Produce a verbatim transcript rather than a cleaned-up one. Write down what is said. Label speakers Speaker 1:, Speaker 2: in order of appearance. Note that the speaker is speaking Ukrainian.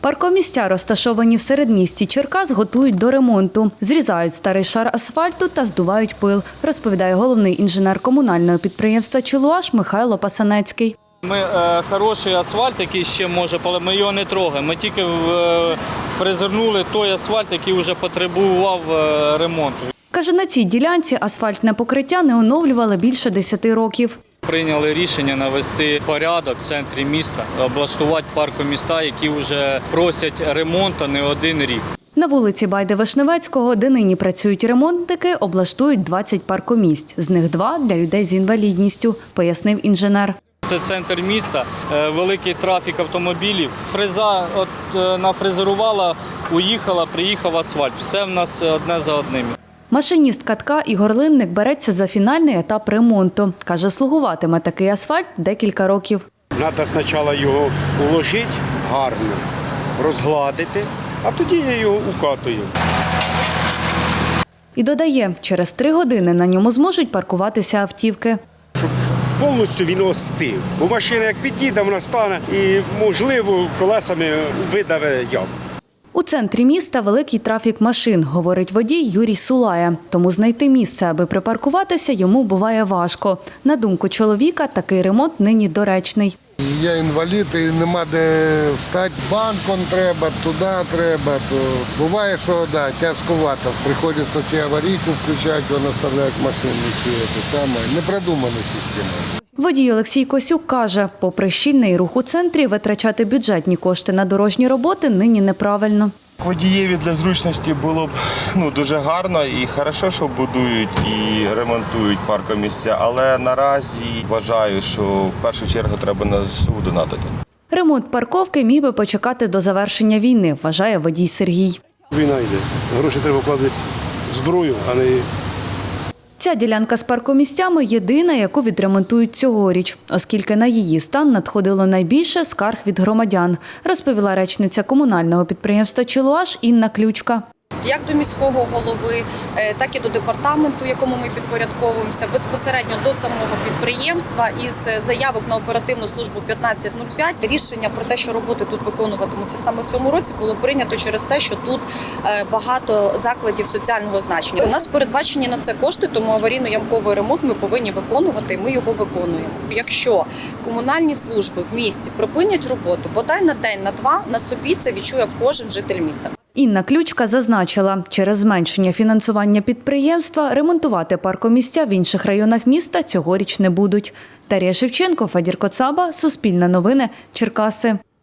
Speaker 1: Паркомістя, розташовані в середмісті Черкас, готують до ремонту. Зрізають старий шар асфальту та здувають пил, розповідає головний інженер комунального підприємства «Чилуаш» Михайло Пасанецький.
Speaker 2: Ми е, хороший асфальт, який ще може, але ми його не трогаємо. Ми тільки е, фрезернули той асфальт, який вже потребував е, ремонту.
Speaker 1: Каже, на цій ділянці асфальтне покриття не оновлювали більше десяти років.
Speaker 2: Прийняли рішення навести порядок в центрі міста, облаштувати паркоміста, які вже просять ремонту не один рік.
Speaker 1: На вулиці Байди-Вишневецького, де нині працюють ремонтники, облаштують двадцять паркомісць. З них два – для людей з інвалідністю, пояснив інженер.
Speaker 2: Це центр міста, великий трафік автомобілів. Фреза от, нафрезерувала, уїхала, приїхав асфальт. Все в нас одне за одним.
Speaker 1: Машиніст катка Ігор Линник береться за фінальний етап ремонту. Каже, слугуватиме такий асфальт декілька років.
Speaker 3: Треба спочатку його уложити гарно, розгладити, а тоді я його укатую.
Speaker 1: І додає, через три години на ньому зможуть паркуватися автівки.
Speaker 3: Щоб повністю він остив. Бо машина як підійде, вона стане і, можливо, колесами видаве яму.
Speaker 1: У центрі міста великий трафік машин, говорить водій Юрій Сулая. Тому знайти місце, аби припаркуватися, йому буває важко. На думку чоловіка, такий ремонт нині доречний.
Speaker 4: Я інвалід і нема де встати. Банком треба, туди треба. То буває, що да, тяжковато. Приходиться чи аварійку включати, вона наставляють машину, чи це саме. Непродумана система.
Speaker 1: Водій Олексій Косюк каже, попри щільний рух у центрі, витрачати бюджетні кошти на дорожні роботи нині неправильно.
Speaker 5: Водієві для зручності було б ну, дуже гарно і хорошо, що будують і ремонтують паркомісця, але наразі вважаю, що в першу чергу треба на ЗСУ донатити.
Speaker 1: Ремонт парковки міг би почекати до завершення війни, вважає водій Сергій.
Speaker 3: Війна йде. Гроші треба вкладати в зброю, а не...
Speaker 1: Ця ділянка з паркомісцями – єдина, яку відремонтують цьогоріч, оскільки на її стан надходило найбільше скарг від громадян, розповіла речниця комунального підприємства «Чилуаш» Інна Ключка.
Speaker 6: Як до міського голови, так і до департаменту, якому ми підпорядковуємося, безпосередньо до самого підприємства із заявок на оперативну службу п'ятнадцять нуль п'ять. Рішення про те, що роботи тут виконуватимуться саме в цьому році, було прийнято через те, що тут багато закладів соціального значення. У нас передбачені на це кошти, тому аварійно-ямковий ремонт ми повинні виконувати, і ми його виконуємо. Якщо комунальні служби в місті припинять роботу, бодай на день, на два, на собі це відчує кожен житель міста.
Speaker 1: Інна Ключка зазначила, через зменшення фінансування підприємства ремонтувати паркомісця в інших районах міста цьогоріч не будуть. Дар'я Шевченко, Федір Коцаба, Суспільне новини, Черкаси.